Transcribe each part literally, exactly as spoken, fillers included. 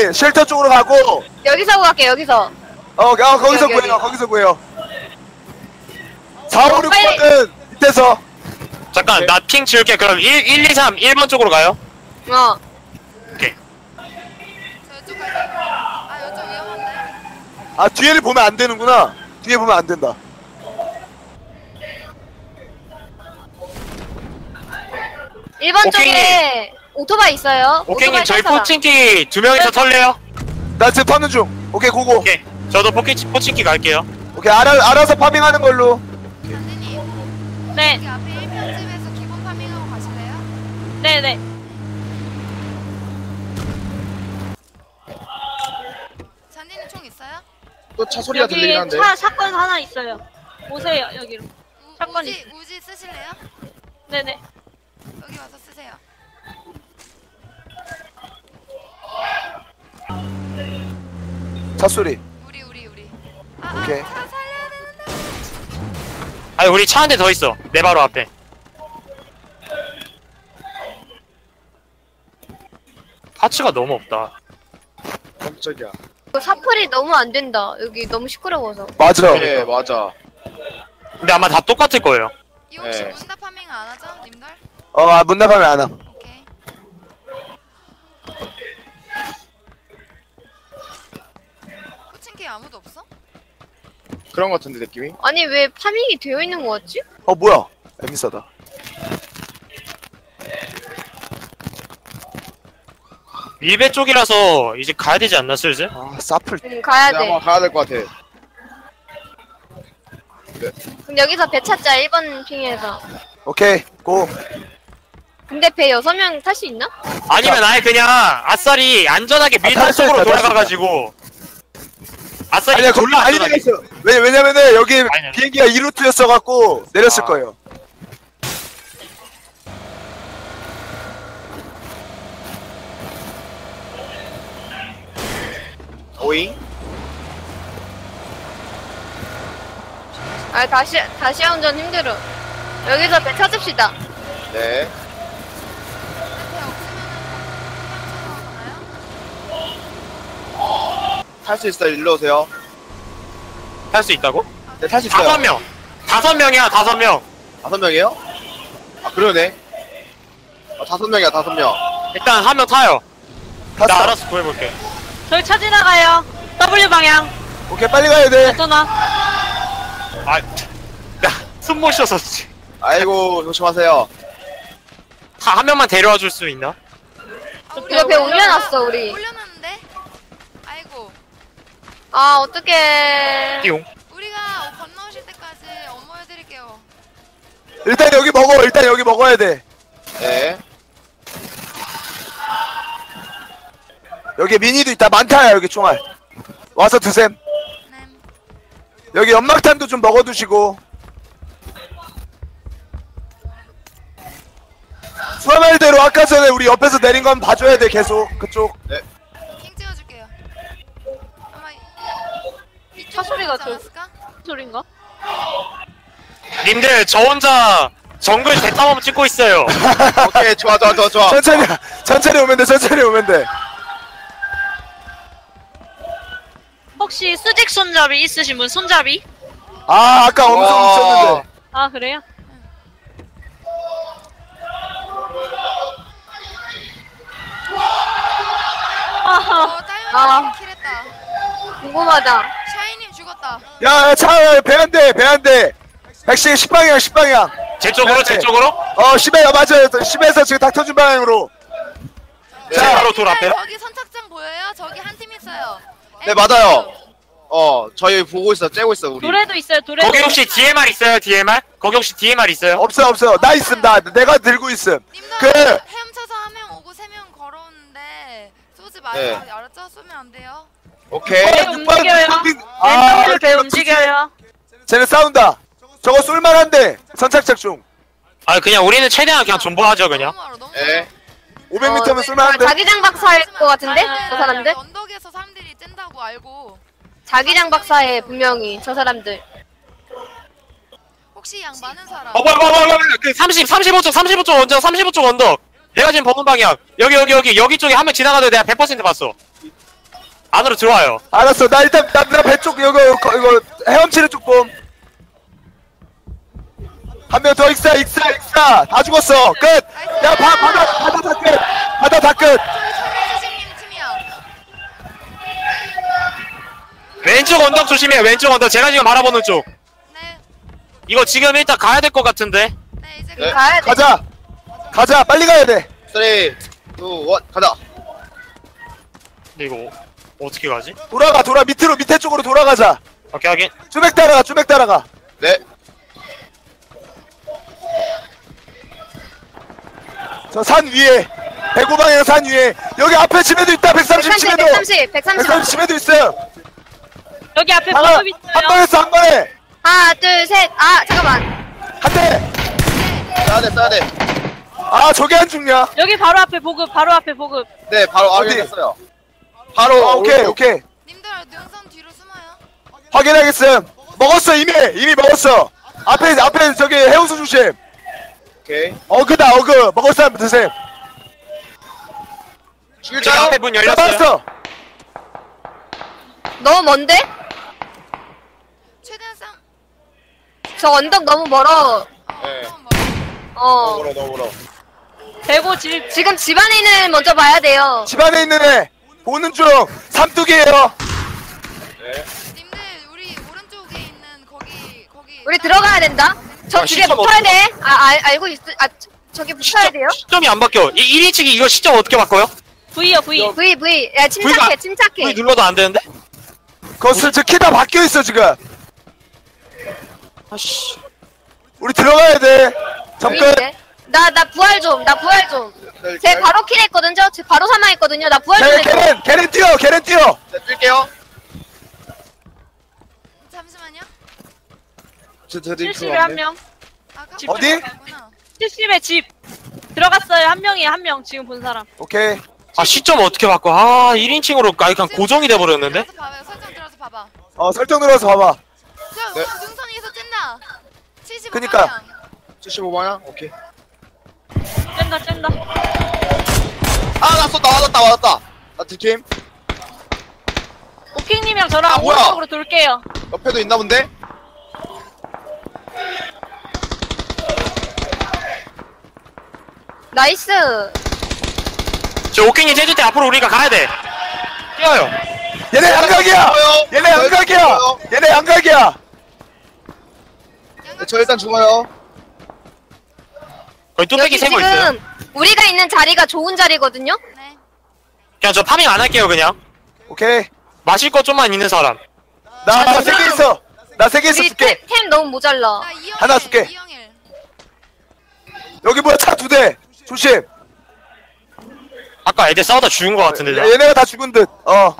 저기 쉘터 쪽으로 가고. 여기서 구할게 여기서. 어, 어 거기서 여기, 구해요. 여기. 거기서 구해요. 사, 오, 육 빨리. 번은 밑에서. 잠깐 나 핑 지울게. 그럼 일, 일, 이, 삼 일 번 쪽으로 가요. 어. 오케이. 저 이쪽 갈게요. 아 이쪽 위험한데. 아, 뒤에를 보면 안 되는구나. 뒤에 보면 안 된다. 일 번 오케이. 쪽에 오토바이 있어요. 오케이님 오토바이 저희 탈 사람. 포칭키 두 명이서 털래요? 나 지금 터는 중. 오케이, 고고. 오케이. 저도 포키, 포칭키 갈게요. 오케이, 알아, 알아서 파밍하는 걸로. 잔디님 네. 여기 앞에 일 편집에서 기본 파밍하고 가실래요? 네네. 잔디님 총 있어요? 또 차 소리가 들리긴 여기 한데. 차 사건 하나 있어요. 오세요 여기로. 우, 사건 우지 우지 쓰실래요? 네네. 여기 와서 쓰세요. 차 소리. 우리 우리 우리. 아, 오케이. 아, 차 살려야 되는데. 아니 우리 차 한 대 더 있어. 내 바로 앞에. 파츠가 너무 없다. 깜짝이야. 이거 사플이 너무 안 된다. 여기 너무 시끄러워서. 맞아. 네, 맞아. 근데 아마 다 똑같을 거예요. 이 혹시 네. 문답 파밍 안 하죠, 님들? 어, 아, 문 나가면 안 와. 오케이. 코칭키 아무도 없어? 그런 것 같은데 느낌이. 아니 왜 파밍이 되어 있는 거 같지? 어, 뭐야. 에미사다. 밀배 쪽이라서 이제 가야 되지 않나 슬슬? 아, 사플. 응 가야 네, 돼. 아마 가야 될 것 같아. 그럼 여기서 배 찾자. 일 번 핑에서. 오케이, 고. 근데 배 여섯 명 탈 수 있나? 아니면 아예 그냥 아싸리 안전하게 아, 밀타 탈 수 쪽으로 있다, 탈 수 돌아가가지고 아싸리 아니야, 거기 졸라 많이 안전하게. 내렸어. 왜, 왜냐면은 여기 아니야. 비행기가 이 루트였어갖고 내렸을 아. 거예요. 오잉? 아 다시 다시 운전 힘들어. 여기서 배 찾읍시다. 네. 근데 배 없으면은 가나요? 탈 수 있어요. 일로 오세요. 탈 수 있다고? 네, 탈 수 있어요. 다섯 명. 다섯 명이야 다섯 명. 다섯 명이에요? 아, 그러네. 아, 다섯 명이야, 다섯 명. 일단 한 명 타요. 나 탔어. 알아서 구해볼게. 저희 차 지나가요. W 방향. 오케이, 빨리 가야 돼. 전화. 아, 숨 못 쉬어서 아이고, 조심하세요. 다 한 명만 데려와 줄 수 있나? 아, 우리 이거 배 올려- 올려놨어 우리. 올려놨는데? 아이고. 아 어떡해. 띠용. 우리가 건너오실 때까지 업무해드릴게요. 일단 여기 먹어. 일단 여기 먹어야 돼. 네. 여기 미니도 있다. 많다, 여기 총알. 와서 드셈. 네. 여기 연막탄도 좀 먹어두시고. 수화말대로 아까 전에 우리 옆에서 내린 건 봐줘야 돼, 계속. 그쪽. 핑 찍어줄게요. 아마 이- 차 소리가 이쪽으로 오지 않았을까? 소린가? 님들 저 혼자 정글 대탐험 찍고 있어요. 오케이, 좋아, 좋아, 좋아, 좋아. 천천히, 천천히 오면 돼, 천천히 오면 돼. 혹시 수직 손잡이 있으신 분 손잡이? 아, 아까 엄청 와. 있었는데. 아 그래요? 아하. 어, 딸기 아. 킬했다. 궁금하다. 샤이님 죽었다. 야, 차, 배 한 대, 배 한 대. 백신 십 방향, 십 방향. 제 쪽으로 제 쪽으로? 어, 십에, 맞아요. 십에서 지금 닥터준 방향으로. 제 자, 바로 돌 앞에. 저기 선착장 보여요? 저기 한 팀 있어요. 네, 맞아요. 어, 저희 보고 있어, 째고 있어, 우리. 도래도 있어요. 도래도. 거기 혹시 디엠알 있어요? 디엠알? 거기 혹시 디엠알 있어요? 없어, 없어. 나 있음, 나. 내가 들고 있음. 님들 그- 헤엄쳐서 한 명 오고 세 명 걸어오는데 쏘지 마요. 네. 알았죠? 쏘면 안 돼요. 오케이. 배 움직여요. 아, 왼쪽으로 배 움직여요. 쟤네 싸운다. 저거 쏠만한데. 선착착 중. 아 그냥 우리는 최대한 그냥 존버하죠 그냥. 너무 멀어, 너무 네. 멀어. 오백 미터면 어, 쏠만한데. 자기장 박사일 것 같은데? 저 사람들? 언덕에서 사람들이 쨘다고 알고 자기장 박사에 분명히 저 사람들. 혹시 양 많은 사람. 어 뭐야 뭐야 뭐야 뭐야 그 삼십, 삼십오 쪽 삼십오 쪽 언덕 삼십오 쪽 언덕. 내가 지금 보는 방향 여기 여기 여기 여기 쪽에 한 명 지나가도 내가 백 퍼센트 봤어. 안으로 들어와요. 알았어. 나 일단 나배 쪽 이거 이거 이거 헤엄치는 쪽 봄. 한 명 더 익사 익사 익사 다 죽었어. 끝. 야 바, 바다 바다 다 끝. 바다 다 끝. 선생님 팀이야. 왼쪽 언덕 조심해. 왼쪽 언덕. 제가 지금 바라보는 쪽. 네. 이거 지금 일단 가야 될 것 같은데. 네 이제 네. 가야 돼. 가자. 가자. 빨리 가야 돼. 삼, 이, 일 가자. 근데 이거 어떻게 가지? 돌아가 돌아 밑으로 밑에 쪽으로 돌아가자. 오케이 하긴. 쭈맥 따라가 쭈맥 따라가. 네. 저 산 위에 백오 방향 산 위에 여기 앞에 집에도 있다. 백삼십 백삼십, 집에도 백삼십, 백삼십. 백삼십 집에도 있어요. 여기 앞에 하나 버섯 있어요. 한 번에 한 번에 하나, 둘, 셋. 아, 잠깐만. 한 대. 써야 돼, 써야 돼. 아 저게 안 죽냐? 여기 바로 앞에 보급, 바로 앞에 보급. 네, 바로 어디? 확인했어요. 바로 아, 오케이 오른쪽. 오케이 님들 능선 뒤로 숨어요. 확인하겠음. 먹었어 이미 이미 먹었어. 앞에 앞에 저기 해우수 조심. 오케이. 어그다 어그 먹을 사람 드세요. 제 죽일까요? 앞에 문 열렸어요. 잡았어. 너무 먼데? 최대한 쌍. 저 언덕 너무 멀어. 네. 어. 어. 너무 멀어, 너무 멀어. 대고 집. 지금 집 안에 있는 먼저 봐야 돼요. 집 안에 있는 애 보는 중 삼뚝이에요. 네. 님들 우리 오른쪽에 있는 거기 거기. 우리 들어가야 된다. 저 아, 집에 시점 붙어야 어떻게 돼. 아, 알, 알고 있, 아, 저- 저기 붙어야 돼요. 시점이 안 바뀌어. 이 일 인칭이 이거 시점 어떻게 바꿔요? V요, V. V, V. 야, 침착해, V가- 침착해. V 눌러도 안 되는데? 거스 저 키 다 바뀌어 있어 지금. 아씨. 우리 들어가야 돼. 잠깐. V인데? 나, 나 부활 좀, 나 부활 좀. 네, 제 바로 킬했거든요? 제 바로 사망했거든요? 나 부활 좀 걔 해줘. 걔는 걔는 뛰어 걔는 뛰어. 네, 뛸게요. 잠시만요. 저, 저, 저, 칠십에 한 명. 아까 집 어디? 가구나. 칠십에 집. 들어갔어요. 한 명이에요, 한 명. 지금 본 사람. 오케이. 아 시점 어떻게 바꿔? 아 일 인칭으로 아예 그냥 고정이 돼버렸는데? 들어서 봐봐요. 설정 들어서 봐봐. 어 설정 들어서 봐봐. 저 네. 능선 위에서 찐다. 칠십오 그니까. 방향. 칠십오 방향? 오케이. 짠다, 짠다. 아, 나 쏜다, 맞았다, 맞았다. 나 뒷팀. 오킹님이랑 저랑 아, 뭐야? 오른쪽으로 돌게요. 옆에도 있나 본데? 나이스. 저 오킹이 제주 때 앞으로 우리가 가야 돼. 뛰어요. 얘네 양각이야. 죽어요. 얘네 저 일단 양각이야. 죽어요. 얘네 양각이야. 네, 저 일단 죽어요. 거기 뚝배기 여기 세고 있어요. 지금 우리가 있는 자리가 좋은 자리거든요? 네. 그냥 저 파밍 안 할게요 그냥. 오케이. 마실 거 좀만 있는 사람. 나 세 개 있어. 나 세 개 있어 우리 줄게. 템, 템 너무 모자라. 나 이영일. 하나 줄게. 이영일. 여기 뭐야 차 두 대. 조심. 아까 애들 싸우다 죽은 거 같은데. 얘- 얘네가 다 죽은 듯. 어.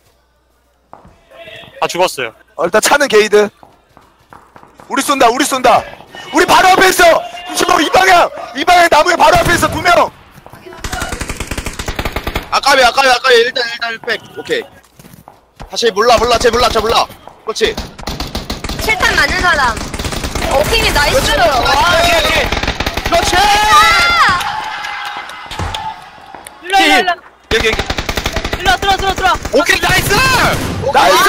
다 죽었어요. 어 일단 차는 게이드. 우리 쏜다. 우리 쏜다. 우리 바로 앞에 있어. 구십오 이 방향. 이 방향 나무에 바로 앞에 있어 두 명. 아까비, 아까비, 아까비. 일단, 일단 일 팩. 오케이. 다시 몰라, 몰라. 쟤 몰라, 쟤 몰라. 그렇지. 칠탄 맞는 사람. 오킹이 나이스. 그렇지, 와. 그렇지. 그렇지! 일로, 일로, 일로. 여기 여기. 일로, 들어, 들어, 들어. 오케이 나이스! 나이스.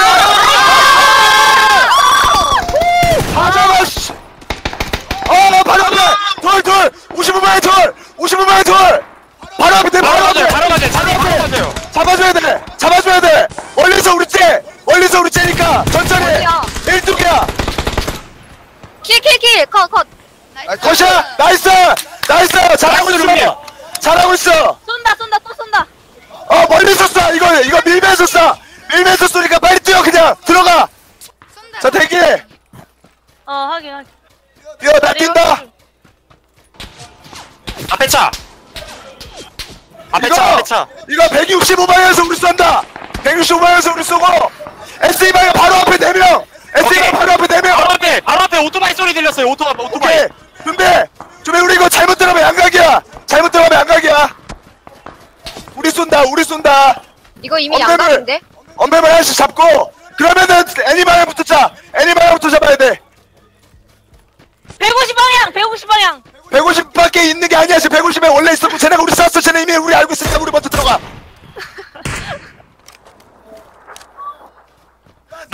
다 잡아. 씨. 어 바로 앞에 돌 돌. 오십오 방향 돌. 오십오 방향 돌. 바로 앞에 돼. 바로 바로 가세요. 앞에. 바로 가세요. 바로 바로 가세요. 잡아줘야 돼! 잡아줘야 돼! 멀리서 우리 째! 멀리서 우리 째니까 천천히! 어디야? 일뚝이야! 킬, 킬, 킬. 컷, 컷. 나이스. 컷이야! 나이스! 나이스! 잘하고 나이스, 있어! 잘하고 있어! 쏜다, 쏜다, 또 쏜다. 어 멀리서 쏴! 이거 이거 밀면서 쏴! 밀면서 쏘니까 빨리 뛰어 그냥! 들어가! 쏜다. 자 대기해! 어, 하긴, 하긴. 뛰어 나 뛴다! 앞에 차. 앞에 이거! 차. 앞에 차. 이거 백육십오 방향에서 우리 쏜다! 백육십오 방향에서 우리 쏘고! 에스이 방향 바로 앞에 네 명! 에스이 오케이. 방향 바로 앞에 네 명! 바로 앞에 바로 앞에 오토바이 소리 들렸어요. 오토바이 오토바이. 오케이! 준비! 준비 우리 이거 잘못 들어가면 양각이야! 잘못 들어가면 양각이야! 우리 쏜다! 우리 쏜다! 이거 이미 엄폐물! 양각인데? 엄폐물 하나씩 잡고 그러면은 애니방향부터 차! 애니방향부터 잡아야 돼! 백오십 방향, 백오십 방향. 백오십밖에 있는 게 아니야 지금 백오십에 원래 있었고 쟤네가 우리 쐈어 쟤네 이미 우리 알고 있으니까 우리 먼저 들어가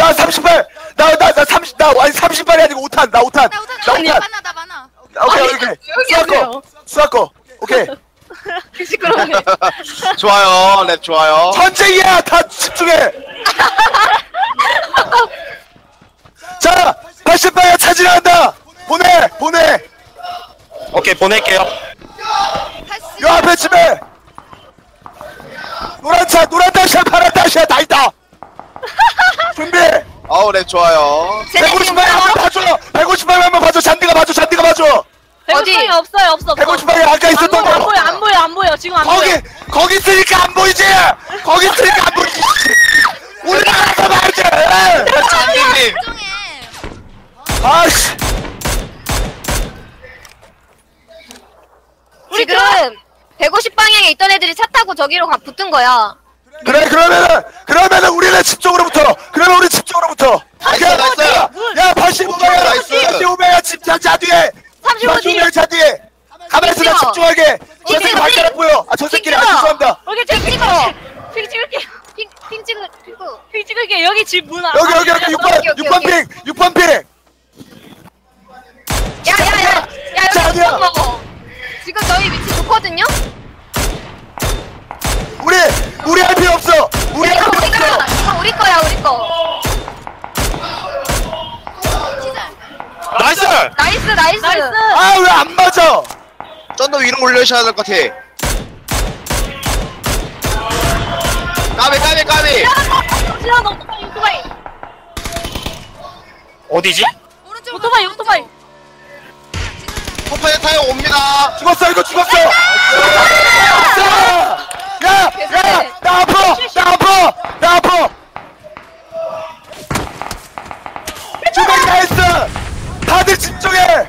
나 삼십팔. 나 나 나 삼십. 나 아니 삼십팔이 아니고 오 탄. 나 오 탄. 나 우선 나 오 나 탄. 많아 나 많아. 오케이 아니, 오케이. 여기 수학 거. 하세요. 수학 거. 오케이. 시끄러워. 좋아요 랩 좋아요. 전쟁이야. 다 집중해. 자, 팔십 방향 차지를 한다. 보내, 보내. 오케이 보낼게요. 팔십. 요 앞에 집에 노란 차, 노란 다시야, 파란 다시야 다 있다. 준비. 아우 랩 좋아요. 백오십 방향 한번 봐줘. 백오십 방향 한번 봐줘. 잔디가 봐줘. 잔디가 봐줘. 어디? 없어요, 없어. 백오십 방향 아까 안 있었던 보여, 안 거. 보여, 안 보여, 안 보여. 지금 안 거기, 보여. 거기 있으니까 안 보이지. 거기 있으니까 안 보이지. 올라가서 봐야지. 잔디님. 정해. 아씨. 그러니까 지금 백오십 방향에 있던 애들이 차 타고 저기로 가 붙은 거야. 그래 그러면은 그러면은 우리는 집 쪽으로 붙어. 그러면 우리 집 쪽으로 붙어. 나이스, 야, 나이스. 야, 야 팔십오 방향 나이스. 팔십오 방향 집차 차 뒤에 삼십오 팔십오 뒤에. 방향 차 뒤에 가만히 있어. 나 찍어. 집중하게. 저 찍어, 새끼 찍어. 발가락 보여. 아 저 새끼 아 죄송합니다. 여기 핑 찍어. 핑 찍을게. 핑, 핑 찍을, 찍어. 핑 찍을게. 여기 집 문 앞. 여기 여기 여기 육 번 오케이, 오케이, 육 번 오케이. 핑 육 번 핑. 야, 야, 야. 야, 자, 여기 어디야? 못 먹어. 지금 저희 위치 좋거든요? 우리 우리 할 필요 없어. 우리 야, 할 이거 필요 우리 거야. 없어. 이거 우리 거야, 우리 거. 시작. 나이스. 나이스, 나이스. 나이스. 아 왜 안 맞아? 좀 더 위로 올려셔야 될 것 같아. 까비 까비 까비. 지나, 너 오토바이, 오토바이. 어디지? 오른쪽. 오토바이, 오토바이. 포파에 타요 옵니다. 죽었어 이거 죽었어. 야야나 아파 나 아파 나 아파. 주먹이 다 했어. 다들 집중해.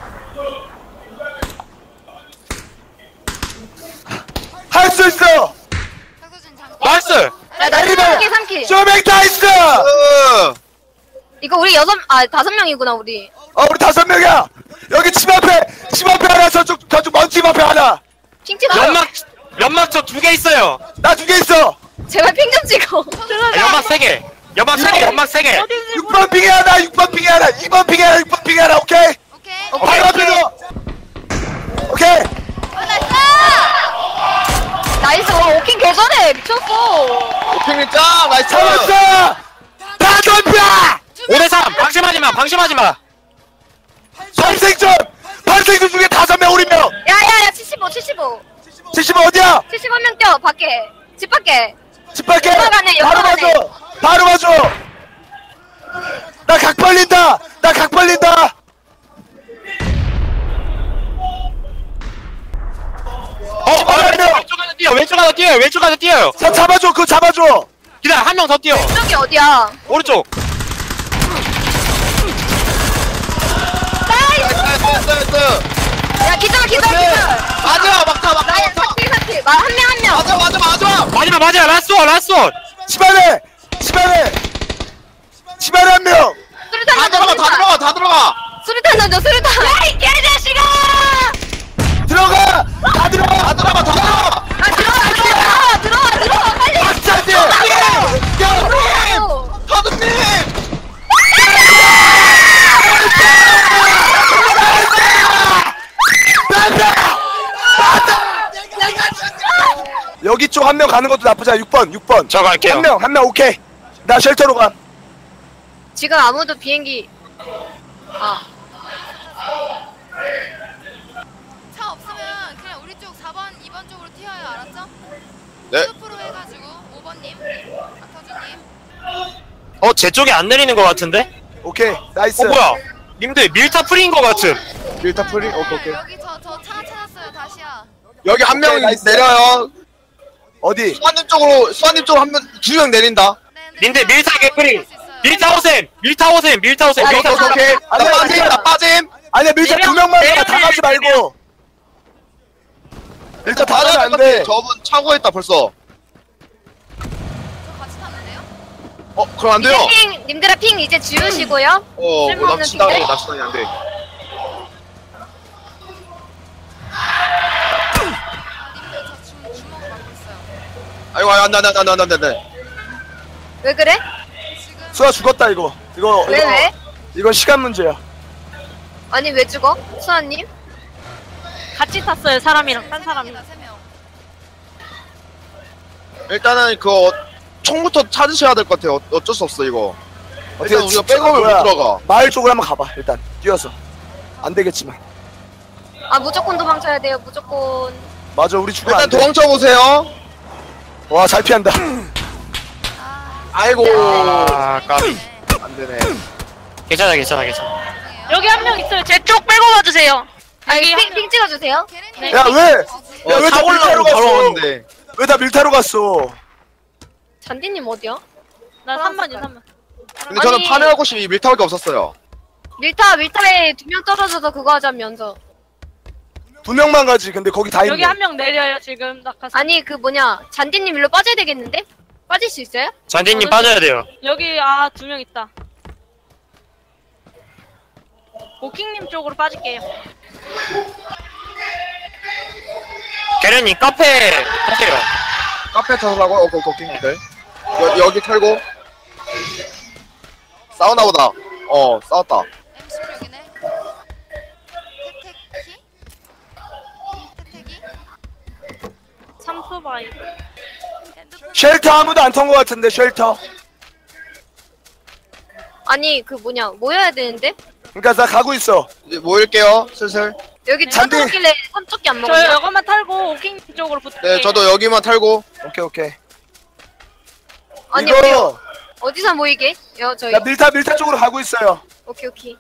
할 수 있어. 박서준 잠깐. 나이스. 야, 나 삼 킬, 삼 킬. 쇼맥 다 있어. 으. 이거 우리 여섯, 아, 다섯 명이구나, 우리. 어 우리 다섯 명이야. 여기 집 앞에 집 앞에 하나 저쪽 저쪽 먼 집 앞에 하나. 핑 찍어. 연막 연막 저 두 개 있어요. 나 두 개 있어. 제발 핑 좀 찍어. 아, 연막 세 개. 연막 세 개. 연막 세 개. 육 번 핑에 하나 육 번 핑에 하나 이 번 핑에 하나 육 번 핑에 하나 오케이. 오케이. 바로 앞에서. 오케이. 어, 나이스. 나이스, 와, 오킹 개전해. 미쳤어. 오핑이 짱 나이스. 잡았어. 다 덤벼. 오 대 삼. 방심하지 마. 방심하지 마. 발생전 발생전 중에 다섯 명 우리 명. 야, 야, 야, 칠십오, 칠십오. 칠십 어디야? 칠십오 명 뛰어, 밖에. 집 밖에. 집 밖에. 연막안에, 바로 연막안에. 봐줘. 바로 봐줘. 나 각 벌린다. 나 각 벌린다. 어, 어, 왼쪽 하나 뛰어. 왼쪽 하나 뛰어요. 왼쪽 하나 뛰어요. 자 잡아줘. 그거 잡아줘. 기다려. 한 명 더 뛰어. 저기 어디야? 오른쪽. 나이스 나이스 나이스. 야, 기절, 기절, 오케이. 기절. 맞아 막타 막타 나야, 막타. 사킬, 사킬. 한 명, 한 명. 맞아 맞아 맞아. 마지막 맞아. 라스트 원. 라스트 원. 집 안에. 집 안에. 집 안에 한 명. 수류탄 다 던져, 들어가 다 들어가 다 들어가. 수류탄 던져, 수류탄. 야, 이 개자식아! 들어가. 다 들어가. 다 들어가 다 들어가. 아, 들어와, 들어와, 들어와, 들어와, 빨리. 박자지. 들어와. 타드님. 여기 쪽 한 명 가는 것도 나쁘지 않아. 육 번 육 번. 저 갈게요. 한 명 한 명 오케이. 나 쉘터로 가. 지금 아무도 비행기. 아, 차 없으면 그냥 우리 쪽 사 번, 이 번 쪽으로 튀어요. 알았죠? 네. 프로 해가지고 오 번님, 박서준님. 어, 제 쪽에 안 내리는 것 같은데? 오케이. 나이스. 어, 뭐야? 님들 밀타 프리인 것 같음. 밀타 프리. 오케이 오케이. 여기 저 저 차 찾았어요. 다시야. 여기 한 명 오케이, 나이스. 내려요. 어디? 수아님 쪽으로 수아님 쪽으로 한 명 두 명 내린다. 네, 근데 님들 차 밀타 개프리. 어디 갈수 있어요? 밀타 오셈. 밀타 오셈. 밀타 오셈. 아, 밀타 오케이, 오셈. 오케이. 나 아니야, 빠짐 아니야. 나 빠짐. 아니야 밀타 네 두 명, 명만 네 가. 다 명, 가지 네 말고. 밀타 다 가면 맞아 안 돼. 저분 차고 있다 벌써. 저 같이 탔는데요? 어 그럼 안 돼요. 이제 핑, 님들아 핑 이제 지우시고요. 어, 뭐 쓸모없는 납치당해, 핑계? 납치당해 안 돼. 아, 님들 저 주, 주먹을 맞고 있어요. 아이고, 안 돼, 안 돼, 안 돼, 안 돼, 안 돼, 안 돼. 왜 그래? 지금 수아 죽었다 이거. 이거 왜 이거 왜? 이건 시간 문제야. 아니 왜 죽어? 수아님? 같이 탔어요, 사람이랑, 딴 세 사람이랑. 명이다, 세 명. 일단은 그거 총부터 찾으셔야 될 것 같아요. 어- 어쩔 수 없어 이거. 어떻게 일단 우리가 진짜 백업을 뭐야. 못 들어가. 마을 쪽으로 한번 가봐. 일단 뛰어서. 안 되겠지만. 아 무조건 도망쳐야 돼요. 무조건. 맞아, 우리 죽으면 일단 안 돼. 도망쳐 보세요. 와, 잘 피한다. 아, 아이고 아, 까비. 안 되네. 괜찮아, 괜찮아, 괜찮아. 죄송해요. 여기 한 명 있어요. 제 쪽 빼고 와주세요. 아니 여기 핑, 핑 찍어주세요. 걔네는 야, 왜? 어, 야, 왜 다 차 밀타로 올라오고 바로 갔어? 오는데. 왜 다 밀타로 갔어? 잔디님 어디야? 나 삼 번이요, 삼 번. 근데 저는 아니- 파밍할 곳이 밀타밖에 없었어요. 밀타 밀타에 두 명 떨어져서 그거 하자면서. 두 명만 가지. 근데 거기 다 있네. 여기 한 명 내려요, 지금. 낙하산. 아니 그 뭐냐 잔디님 일로 빠져야 되겠는데? 빠질 수 있어요? 잔디님 빠져야 돼요. 여기, 아, 두 명 있다. 오킹님 쪽으로 빠질게요. 게렌님 카페 하세요. 카페 타라고? 어, 거, 거기들. 여, 여기 털고. 싸우나 보다. 어, 싸웠다. 엠 십육이네. 태태키? 태태기? 삼프바이. 핸드폰 쉘터 아무도 안 탄 것 같은데, 쉘터. 아니 그 뭐냐 모여야 되는데? 그러니까 나 가고 있어. 이제 모일게요, 슬슬. 여기 네. 잔디. 찾아오길래 삼쪽기 안 저 먹었냐? 이것만 탈고 오킹님 쪽으로 붙을게요. 네, 저도 여기만 털고. 오케이, 오케이. 아니 이거 우리 어디서 모이게? 여 저희. 나 밀타 밀타 쪽으로 가고 있어요. 오케이 오케이.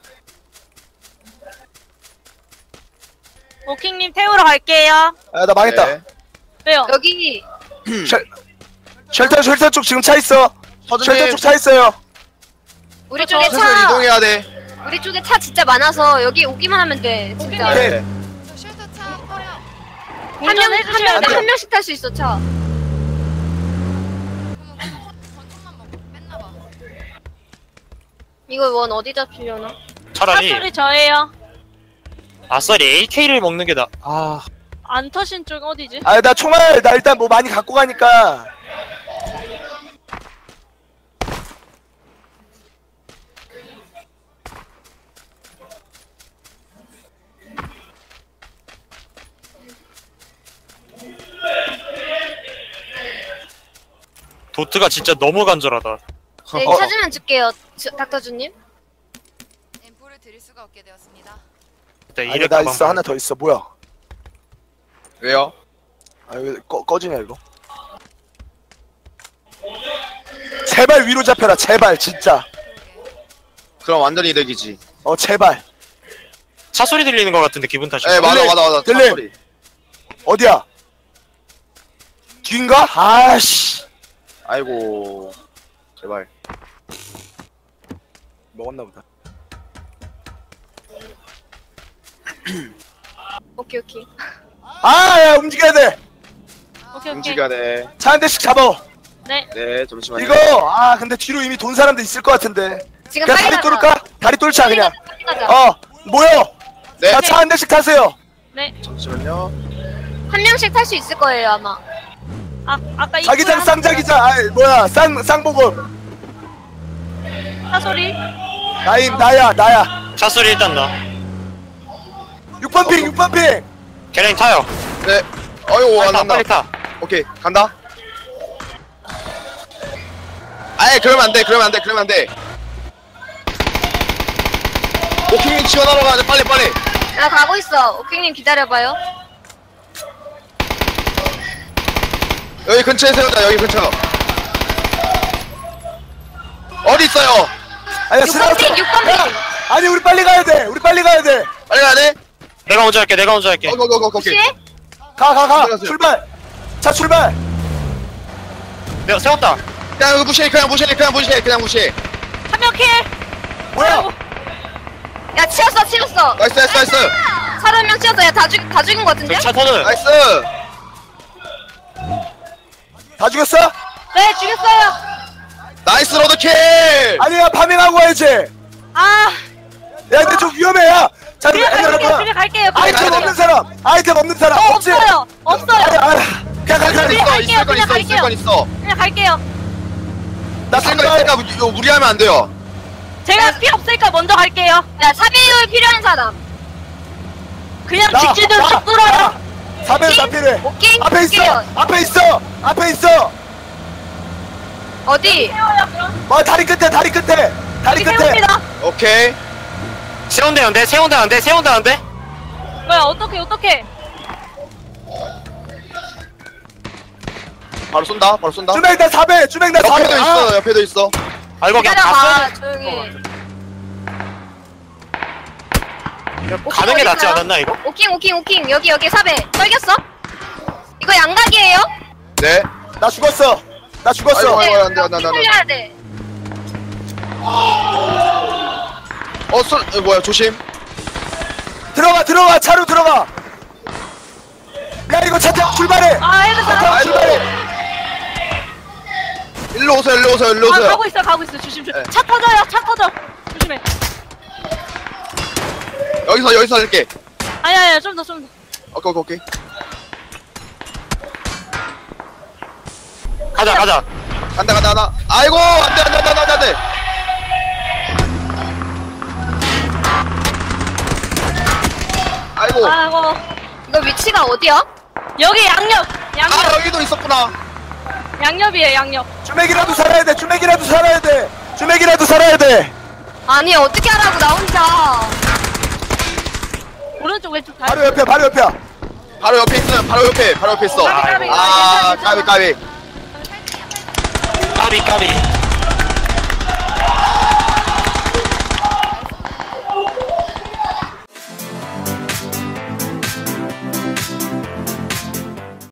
오킹님 태우러 갈게요. 아, 나 망했다. 네. 왜요? 여기 쉘, 쉘터 쉘터 쪽 지금 차 있어. 쉘터 서준님, 쪽 차 있어요. 우리 쪽에 슬슬 차 이동해야 돼. 우리 쪽에 차 진짜 많아서 여기 오기만 하면 돼. 진짜. 오케이. 네. 저 쉘터 차 버려. 한 명 한 운전해주셔야 명 돼요. 한 명씩 탈 수 있어 차. 그러면 권총만 먹고 뺐나봐. 이거 원 어디 잡히려나? 차라리 사소리 저예요. 아싸리 에이케이를 먹는 게 나. 아, 안 터신 쪽 어디지? 아, 나 총알 나 일단 뭐 많이 갖고 가니까. 도트가 진짜 너무 간절하다. 네 어. 찾으면 줄게요. 저, 닥터주님. 엠포를 드릴 수가 없게 되었습니다. 일단 아니, 이래 나 가방 있어. 하나 더 있어. 뭐야? 왜요? 아, 왜 꺼, 꺼지냐 이거? 제발 위로 잡혀라. 제발 진짜. 그럼 완전 이득이지. 어, 제발. 차 소리 들리는 것 같은데 기분 탓이. 예, 맞아, 들림, 맞아, 맞아. 들림. 소리. 어디야? 뒤인가? 아씨. 아이고. 제발. 먹었나 보다. 오케이 오케이. 아, 야, 움직여야 돼. 오케이 오케이. 움직여야 돼. 차 한 대씩 잡아. 네. 네, 잠시만요. 이거 아, 근데 뒤로 이미 돈 사람도 있을 것 같은데. 지금 그냥 빨리 다리 가자. 뚫을까? 다리 뚫자 빨리 그냥. 가자. 빨리 가자. 어, 모여. 네, 자, 차 한 대씩 타세요. 네. 잠시만요. 한 명씩 탈 수 있을 거예요 아마. 아 아까 이 자기장 쌍자기장. 아, 뭐야? 쌍 쌍보급. 사소리. 나임 나야 나야. 차 소리 일단 나. 육 번 핑, 육 번 핑. 게렌 타요. 네. 어이구, 빨리 안 타, 난다. 빨리 타. 오케이, 간다. 아예 그러면 안 돼, 그러면 안 돼, 그러면 안 돼. 오킹님 지원하러 가야 돼, 빨리, 빨리. 나 가고 있어. 오킹님 기다려봐요. 여기 근처에 세우자, 여기 근처. 어디 있어요? 아니야, 육 번 핑, 육 번 핑. 아니, 우리 빨리 가야 돼. 우리 빨리 가야 돼. 빨리 가야 돼? 내가 먼저 할게. 내가 먼저 할게. 어, 고, 고, 고, 고, 오케이. 혹시? 가, 가, 가. 들어가세요. 출발. 차 출발. 내가 세웠다. 그냥 이거 무시해, 그냥 무시해, 그냥 무시해, 그냥 무시해. 한 명 킬. 뭐야? 야 치웠어 치웠어. 나이스, 나이스, 나이스. 사람 한 명 치웠어. 야다 죽, 다 죽인 거 같은데? 저기 차 터는. 나이스. 다 죽였어? 네 죽였어요. 나이스 로드킬. 아니야, 파밍하고 와야지. 아. 야, 근데 좀 위험해, 야. 자, 그냥 갈게요. 여러분. 그냥 갈게요. 아이템 그냥 없는 갈게요. 사람. 아이템 없는 사람. 저 없지? 없어요. 없어요. 아니, 아, 그냥 가, 가. 그냥 있어, 갈게요, 있을 건 그냥 있어, 있을 갈게요. 건 있어. 그냥 갈게요. 나 있을 건 상관. 있으니까 이거 무리하면 안 돼요. 제가 피 없으니까 먼저 갈게요. 야 사배율 필요한 사람. 그냥 나, 직진으로 나, 쭉 뚫어요. 사배율 다 필요해. 오케이. 앞에 있어. 오케이요. 앞에 있어. 앞에 있어. 어디? 어 다리 끝에 다리 끝에 다리 끝에. 세웁니다. 오케이. 세운다는데 세운다는데 세운다는데 뭐야 어떡해 어떡해. 바로 쏜다. 바로 쏜다. 주맹 나 사배. 주맹 나 사배. 옆에도 아. 있어. 옆에도 있어. 아 이거 그냥 다 기다려봐 쏘 조용히. 가는 게 낫지 어딨어요? 않았나 이거? 오킹 오킹 오킹 여기 여기 사배 떨겼어? 이거 양각이에요? 네. 나 죽었어. 나 죽었어. 아이고, 아이고, 안 돼, 안 돼, 안 돼, 안 돼. 살려야 돼. 어, 쏘, 어, 뭐야, 조심. 들어가 들어가 차로 들어가. 야 이거 차 타고 출발해. 아 헤드 차 타고 사. 출발해. 일로 오세요, 일로 오세요, 일로 아 오세요. 가고 있어 가고 있어 조심 조심. 네. 차 터져요 차 터져. 조심해. 여기서, 여기서 할게. 아니 아니 좀 더 좀 더. 오케이, 오케이, 오케이. 가자 가자 간다, 간다, 간다. 아이고, 안 돼, 안 돼, 안 돼, 안 돼, 안 돼. 아이고. 아이고 이거 위치가 어디야? 여기 양옆 양옆 아, 여기도 있었구나. 양옆이에요 양옆. 주맥이라도 살아야 돼. 주맥이라도 살아야 돼. 주맥이라도 살아야 돼. 아니 어떻게 하라고 나 혼자. 오른쪽 왼쪽 다. 바로 옆에 바로 옆이야. 바로 옆에 있어요, 바로 옆에, 바로 옆에 있어. 까비, 까비. 아, 괜찮아, 까비, 까비. 까비 까비